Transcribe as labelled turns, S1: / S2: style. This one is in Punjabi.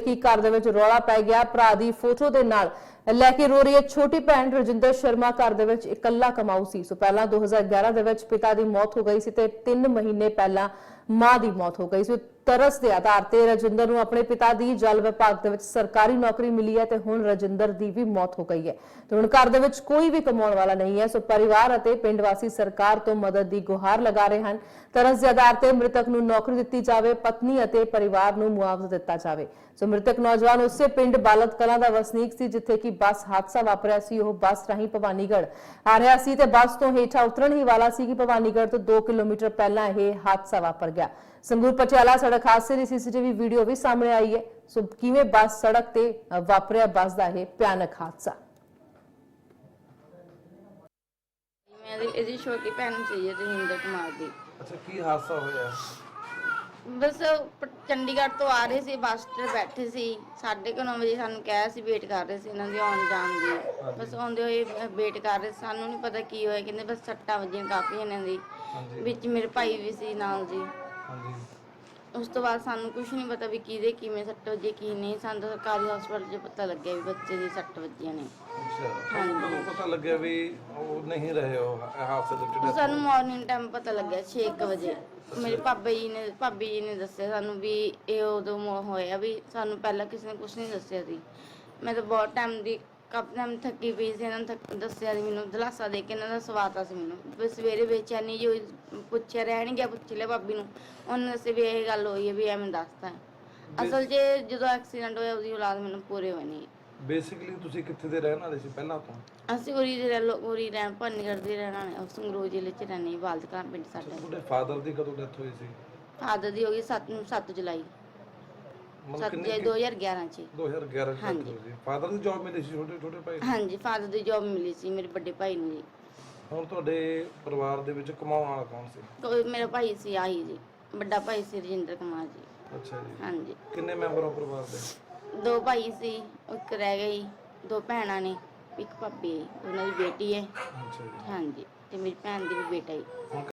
S1: कि घर दे विच रौला पै गया। भरा दी फोटो दे नाल लैके रो रही है छोटी भैन रजिंदर शर्मा। घर दे विच इकल्ला कमाऊ सी। सो पहला 2011 दे विच पिता दी मौत हो गई सी ते 3 महीने पहला मां दी मौत हो गई सी। तरस के आधार पर रजिंदर नूं अपने पिता दी जल विभाग दे विच सरकारी नौकरी मिली है ते हुण रजिंदर दी भी मौत हो गई है ते हुण घर दे विच कोई भी कमाउण वाला नहीं है। सो परिवार अते पिंड वासी सरकार तो मदद दी गुहार लगा रहे हैं। तरस के आधार पर मृतक नूं नौकरी दित्ती जावे, पत्नी अते परिवार नूं मुआवजा दित्ता जावे। सो मृतक नौजवान उसे पिंड बालत कलां दा वसनीक सी जिथे कि बस हादसा वापरिया सी। ओह बस राहीं भवानीगढ़ आ रहा सी ते बस तो हेठा उतरन ही वाला सी कि भवानीगढ़ तो 2 किलोमीटर पहला यह हादसा वापर गया। संगरूर पटियाला सड़क हादसे की सीसीटीवी वीडियो भी सामने आई है। सो किवें बस सड़क ते वापरिया बस का यह भयानक हादसा।
S2: मेरी छोटी भैन सी रजिंदर कुमार दी।
S3: अच्छा की हादसा होया?
S2: बस चंडीगढ़ तो आ रहे थे, बस ਤੇ बैठे सी 9:30 ਵਜੇ ਸਾਨੂੰ ਕਿਹਾ ਸੀ ਵੇਟ ਕਰ ਰਹੇ ਸੀ ਇਹਨਾਂ ਦੀ ਆਉਣ ਜਾਣ ਦੀ। ਬਸ ਆਉਂਦੇ ਹੋਏ ਵੇਟ ਕਰ ਰਹੇ ਸਾਨੂੰ ਨਹੀਂ ਪਤਾ ਕੀ ਹੋਇਆ। ਕਹਿੰਦੇ ਬਸ ਸੱਟਾਂ ਵੱਜੀਆਂ ਕਾਫੀ ਇਹਨਾਂ ਦੀ। ਵਿੱਚ ਮੇਰੇ ਭਾਈ ਵੀ ਸੀ ਨਾਲ ਜੀ। ਉਸ ਤੋਂ ਬਾਅਦ ਸਾਨੂੰ ਕੁਝ ਨਹੀਂ ਪਤਾ ਵੀ ਕਿਹਦੇ ਕਿਵੇਂ ਸੱਟ ਵੱਜੀ ਕੀ ਨਹੀਂ। ਸਾਨੂੰ ਤਾਂ ਸਰਕਾਰੀ ਹਸਪਤਾਲ 'ਚ ਪਤਾ ਲੱਗਿਆ ਵੀ ਬੱਚੇ ਦੀ ਸੱਟ ਵੱਜੀਆਂ ਨੇ।
S3: ਅੱਛਾ ਤੁਹਾਨੂੰ ਪਤਾ ਲੱਗਿਆ ਵੀ ਉਹ ਨਹੀਂ ਰਹੇ ਉਹ ਹਾਦਸੇ ਦੇ ਵਿੱਚ?
S2: ਸਾਨੂੰ ਮਾਰਨਿੰਗ ਟਾਈਮ ਪਤਾ ਲੱਗਿਆ 6 ਵਜੇ। ਮੇਰੇ ਭਾਬੀ ਜੀ ਨੇ ਦੱਸਿਆ ਸਾਨੂੰ ਵੀ ਇਹ ਉਦੋਂ ਹੋਇਆ ਵੀ ਸਾਨੂੰ ਪਹਿਲਾਂ ਕਿਸੇ ਨੇ ਕੁਝ ਨਹੀਂ ਦੱਸਿਆ ਸੀ। ਮੈਂ ਤਾਂ ਬਹੁਤ ਟਾਈਮ ਦੀ ਕਾਫੀ ਟਾਈਮ ਥੱਕੀ ਪਈ ਸੀ। ਇਹਨਾਂ ਨੇ ਦੱਸਿਆ ਸੀ ਮੈਨੂੰ ਦਿਲਾਸਾ ਦੇ ਕੇ ਇਹਨਾਂ ਦਾ ਸਵਾਤਾ ਸੀ ਮੈਨੂੰ ਵੀ ਸਵੇਰੇ ਬੇਚੈਨੀ ਜੋ ਪੁੱਛਿਆ ਰਹਿਣ ਗਿਆ ਪੁੱਛ ਲਿਆ ਭਾਬੀ ਨੂੰ। ਉਹਨੇ ਦੱਸਿਆ ਵੀ ਇਹ ਗੱਲ ਹੋਈ ਹੈ ਵੀ ਐਵੇਂ ਦੱਸਤਾ। ਅਸਲ 'ਚ ਜਦੋਂ ਐਕਸੀਡੈਂਟ ਹੋਇਆ ਉਹਦੀ ਔਲਾਦ ਮੈਨੂੰ ਪੂਰੇ ਹੋਏ ਨਹੀਂ।
S3: ਬੇਸਿਕਲੀ ਤੁਸੀਂ ਕਿੱਥੇ ਦੇ ਰਹਿਣ ਵਾਲੇ ਸੀ ਪਹਿਲਾਂ ਤੋਂ?
S2: ਅਸੀਂ ਉਰੀ ਰਹਿਣ ਭਵਾਨੀਗੜ੍ਹ ਦੇ ਰਹਿਣ ਵਾਲੇ ਸੰਗਰੂਰ ਜ਼ਿਲ੍ਹੇ 'ਚ ਰਹਿੰਦੇ ਬਾਲਦ ਕਲਾਂ ਪਿੰਡ ਸਾਡਾ।
S3: ਤੁਹਾਡੇ ਫਾਦਰ ਦੀ ਕਦੋਂ ਡੈਥ ਹੋਈ ਸੀ?
S2: ਫਾਦਰ ਦੀ ਹੋ ਗਈ 7 ਜੁਲਾਈ 2011 ਚ।
S3: 2011 ਚ ਡੈਥ ਹੋਈ ਸੀ। ਫਾਦਰ ਦੀ ਜੌਬ ਮਿਲੀ ਸੀ ਛੋਟੇ ਭਾਈ ਨੂੰ?
S2: ਹਾਂਜੀ ਫਾਦਰ ਦੀ ਜੌਬ ਮਿਲੀ ਸੀ ਮੇਰੇ ਵੱਡੇ ਭਾਈ ਨੂੰ ਜੀ।
S3: ਹੁਣ ਤੁਹਾਡੇ ਪਰਿਵਾਰ ਦੇ ਵਿੱਚ ਕਮਾਉਣ ਵਾਲਾ ਕੌਣ ਸੀ?
S2: ਕੋਈ ਮੇਰਾ ਭਾਈ ਸੀ ਆਹੀ ਜੀ, ਵੱਡਾ ਭਾਈ ਸੀ ਰਜਿੰਦਰ ਕੁਮਾਰ ਜੀ।
S3: ਅੱਛਾ ਜੀ।
S2: ਹਾਂਜੀ।
S3: ਕਿੰਨੇ ਮੈਂਬਰ ਹੋ ਪਰਿਵਾਰ ਦੇ?
S2: 2 ਭਾਈ ਸੀ, ਇੱਕ ਰਹਿ ਗਈ, 2 ਭੈਣਾਂ ਨੇ, ਇੱਕ ਭਾਬੀ ਹੈ, ਉਹਨਾਂ ਦੀ ਬੇਟੀ ਹੈ।
S3: ਅੱਛਾ ਜੀ।
S2: ਹਾਂਜੀ ਤੇ ਮੇਰੀ ਭੈਣ ਦੀ ਵੀ ਬੇਟਾ ਹੈ।